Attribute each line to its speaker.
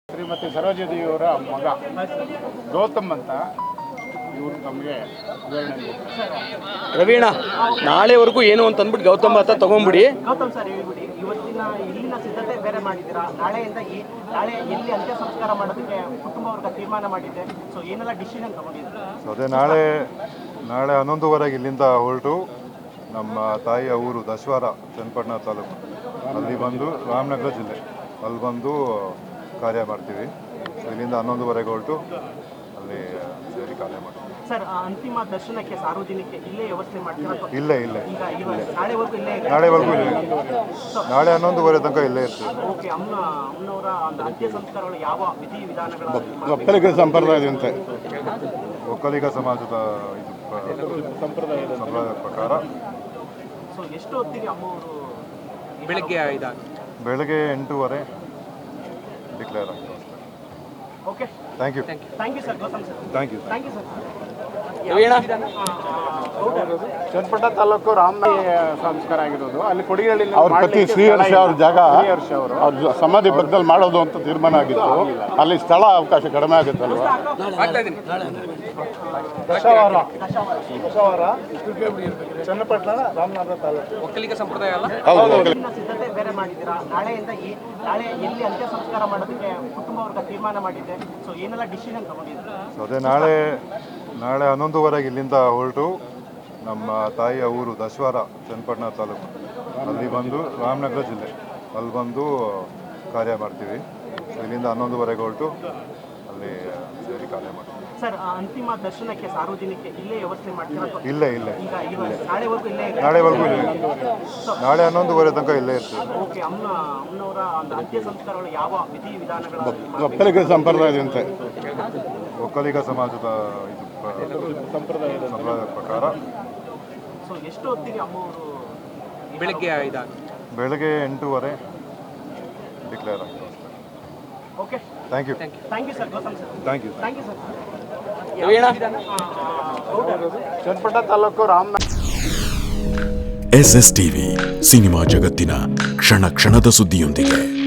Speaker 1: ಶ್ರೀಮತಿ ಸರೋಜದೇವಿಯವರ ಮಗ ಗೌತಮ್ ಅಂತ ಇವರು ತಮಗೆ ವಿವರಣೆ.
Speaker 2: ರವೀಣ, ನಾಳೆವರೆಗೂ ಏನು ಅಂತ ಅಂದ್ಬಿಟ್ಟು ಗೌತಮ್ ಅಂತ ತಗೊಂಡ್ಬಿಡಿ.
Speaker 3: ಗೌತಮ್ ಸರ್ ಹೇಳ್ಬಿಡಿ, ಇವತ್ತಿನ ಇಲ್ಲಿನ ಸಿದ್ಧತೆ ಬೇರೆ ಮಾಡಿದ್ದೀರಾ, ನಾಳೆಯಿಂದ ನಾಳೆ ಎಲ್ಲಿ ಅಂತ್ಯ ಸಂಸ್ಕಾರ ಮಾಡೋದಕ್ಕೆ ಕುಟುಂಬ ವರ್ಗ ತೀರ್ಮಾನ ಮಾಡಿದೆ. ಸೊ ಏನೆಲ್ಲ ಡಿಸಿಷನ್ ತಗೊಂಡಿದ್ದೀರಾ?
Speaker 4: ಅದೇ ನಾಳೆ 11:15 ಇಲ್ಲಿಂದ ಹೊರಟು ನಮ್ಮ ತಾಯಿಯ ಊರು ದಶವಾರ ಚನ್ನಪಟ್ಟಣ ತಾಲೂಕು ಅಲ್ಲಿ ಬಂದು ರಾಮನಗರ ಜಿಲ್ಲೆ ಅಲ್ಲಿ ಬಂದು ಕಾರ್ಯ ಮಾಡ್ತೀವಿ. ಇಲ್ಲಿಂದ 11:15 ಹೊರಟು ಅಲ್ಲಿ ಸೇರಿ ಕಾರ್ಯ ಮಾಡ್ತೀವಿ.
Speaker 3: ಸರ್, ಅಂತಿಮ ದರ್ಶನಕ್ಕೆ ಸಾರ್ವಜನಿಕ ಇಲ್ಲೇ ವ್ಯವಸ್ಥೆ ಮಾಡ್ತೀರಾ?
Speaker 4: ಇಲ್ಲೇ
Speaker 3: ನಾಳೆವರೆಗೂ ಇಲ್ಲೇ
Speaker 4: ನಾಳೆವರೆಗೂ ಇಲ್ಲೇ, ನಾಳೆ 11:15 ತನಕ ಇಲ್ಲೇ ಇರ್ತೀವಿ.
Speaker 3: ಓಕೆ. ಅಮ್ಮನವರ ಅಂತ್ಯ ಸಂಸ್ಕಾರಗಳು ಯಾವ ವಿಧಿ ವಿಧಾನಗಳು?
Speaker 1: ಒಕ್ಕಲಿಗ ಸಂಪ್ರದಾಯದಂತೆ
Speaker 4: ಒಕ್ಕಲಿಗ ಸಮಾಜದ ಸಂಪ್ರದಾಯದ ಪ್ರಕಾರ.
Speaker 3: ಸೊ ಎಷ್ಟು ಹೊತ್ತಿಗೆ ಅಮ್ಮವರು?
Speaker 2: ಬೆಳಗ್ಗೆ
Speaker 4: ಬೆಳಗ್ಗೆ 8:30 ಡಿಕ್ಲೇರ್ ಆಗ್ತದೆ.
Speaker 3: Okay,
Speaker 4: thank you
Speaker 3: sir. Gautam sir,
Speaker 4: thank you.
Speaker 3: Sir.
Speaker 2: Raveena,
Speaker 1: Channapatna taluk Ramanagara ಸಂಸ್ಕಾರ ಆಗಿರೋದು. ಅಲ್ಲಿ ಕೊಡಿಗಳ್ಳಿ
Speaker 5: ಅವ್ರ ಪತಿ ಶ್ರೀಹರ್ಷ ಅವ್ರ ಜಾಗ
Speaker 1: ಶ್ರೀಹರ್ಷ ಅವರು
Speaker 5: ಅವ್ರ ಸಮಾಧಿ ಪಕ್ಕದಲ್ಲಿ ಮಾಡೋದು ಅಂತ ತೀರ್ಮಾನ ಆಗಿತ್ತು. ಅಲ್ಲಿ ಸ್ಥಳ ಅವಕಾಶ ಕಡಿಮೆ ಆಗುತ್ತಲ್ವ.
Speaker 1: ದಶವಾರ ಚನ್ನಪಟ್ಟಣ ರಾಮನಗರ ತಾಲೂಕು
Speaker 2: ಒಕ್ಕಲಿಗ ಸಂಪ್ರದಾಯ ಅಲ್ಲ.
Speaker 3: ಇಲ್ಲಿನ ಸಿದ್ಧತೆ ಬೇರೆ ಮಾಡಿದ್ದೀರಾ, ನಾಳೆಯಿಂದ ನಾಳೆ ಎಲ್ಲಿ ಅಂತ್ಯ ಸಂಸ್ಕಾರ ಮಾಡೋದಕ್ಕೆ ಕುಟುಂಬ ವರ್ಗ ತೀರ್ಮಾನ ಮಾಡಿದೆ. ಸೊ ಏನೆಲ್ಲ ಡಿಸಿಷನ್ ತಗೊಂಡಿದ್ದೀರಾ?
Speaker 4: ಅದೇ ನಾಳೆ 11:15 ಇಲ್ಲಿಂದ ಹೊರಟು ನಮ್ಮ ತಾಯಿಯ ಊರು ದಶವಾರ ಚನ್ನಪಟ್ಟಣ ತಾಲೂಕು ಅಲ್ಲಿ ಬಂದು ರಾಮನಗರ ಜಿಲ್ಲೆ ಅಲ್ಲಿ ಬಂದು ಕಾರ್ಯ ಮಾಡ್ತೀವಿ. ಇಲ್ಲಿಂದ 11:15 ಹೊರಟು ಅಲ್ಲಿ ಸೇರಿ ಕಾರ್ಯ ಮಾಡ್ತೀವಿ.
Speaker 3: ಸರ್, ಅಂತಿಮ ದರ್ಶನಕ್ಕೆ ಸಾರ್ವಜನಿಕ ಇಲ್ಲೇ ವ್ಯವಸ್ಥೆ ಮಾಡ್ತೀರಾ?
Speaker 4: ಇಲ್ಲೇ
Speaker 3: ನಾಳೆವರೆಗೂ ಇಲ್ಲೇ
Speaker 4: ನಾಳೆ 11:15 ತನಕ ಇಲ್ಲೇ ಇರ್ತೀವಿ.
Speaker 3: ಓಕೆ. ಅಮ್ಮನವರ ಅಂತ್ಯ ಸಂಸ್ಕಾರಗಳು ಯಾವ ವಿಧಿ ವಿಧಾನಗಳು?
Speaker 5: ಒಕ್ಕಲಿಗ ಸಂಪ್ರದಾಯದಂತೆ
Speaker 4: ಒಕ್ಕಲಿಗ ಸಮಾಜದ ಸಂಪ್ರದಾಯದ ಪ್ರಕಾರ.
Speaker 3: ಸೊ ಎಷ್ಟು ಹೊತ್ತಿಗೆ ಅಮ್ಮವರು?
Speaker 2: ಬೆಳಗ್ಗೆ
Speaker 4: 8:30 ಡಿಕ್ಲೇರ್ ಆಗ್ತದೆ.
Speaker 3: Okay,
Speaker 4: thank you
Speaker 3: sir. Gautam sir,
Speaker 4: thank you.
Speaker 3: Sir.
Speaker 2: Raveena,
Speaker 1: Channapatna taluk Ramanagara.
Speaker 6: SS TV cinema ಜಗತ್ತಿನ ಕ್ಷಣ ಕ್ಷಣದ ಸುದ್ದಿಯೊಂದಿಗೆ.